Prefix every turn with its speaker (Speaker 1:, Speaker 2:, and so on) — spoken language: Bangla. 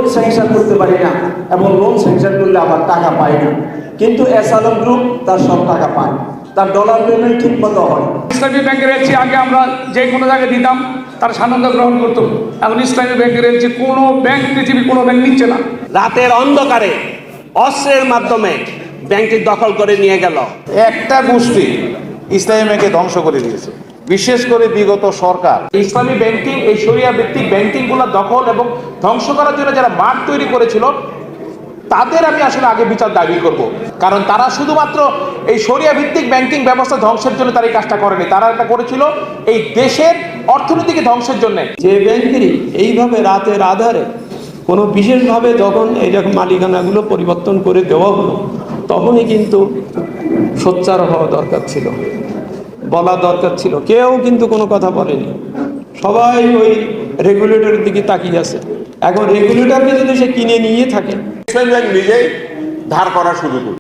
Speaker 1: লোন স্যাংশন করতে পারি না এবং লোন স্যাংশন করলে আবার টাকা পাই না। কিন্তু এস আলম গ্রুপ তার সব টাকা পায়, তার ডলার পেমেন্ট ঠিক মতো হয়।
Speaker 2: ইসলামী ব্যাংকের এলসি আগে আমরা যে কোনো জায়গায় দিতাম তার সানন্দ গ্রহণ করতো, এখন ইসলামী ব্যাংকের এলসি কোনো ব্যাংক, পৃথিবীর কোনো ব্যাংক নিচ্ছে না।
Speaker 3: রাতের অন্ধকারে অস্ত্রের মাধ্যমে ব্যাংকটি দখল করে নিয়ে গেল।
Speaker 4: একটা গোষ্ঠী ইসলামী ব্যাংকে ধ্বংস করে দিয়েছে, বিশেষ করে বিগত সরকার।
Speaker 5: ইসলামী ব্যাংকিং, এই শরিয়া ভিত্তিক ব্যাংকিংগুলো দখল এবং ধ্বংস করার জন্য যারা মাঠ তৈরি করেছিল তাদের আমি আসলে আগে বিচার দাবি করব, কারণ তারা শুধুমাত্র এই শরিয়া ভিত্তিক ব্যাংকিং ব্যবস্থা ধ্বংসের জন্য তারা এই কাজটা করেনি, তারা এটা করেছিল এই দেশের অর্থনীতিকে ধ্বংসের জন্য।
Speaker 1: যে ব্যাংকেরই এইভাবে রাতের আধারে কোনো বিশেষভাবে যখন এইরকম মালিকানাগুলো পরিবর্তন করে দেওয়া হলো, তখনই কিন্তু সোচ্চার হওয়া দরকার ছিল, বলা দরকার ছিল। কেউ কিন্তু কোনো কথা বলেনি, সবাই ওই রেগুলেটরের দিকে তাকিয়ে আছে। এখন রেগুলেটরকে যদি সে কিনে নিয়ে থাকে,
Speaker 4: ইসলামী ব্যাংক নিজেই ধার করা শুরু করে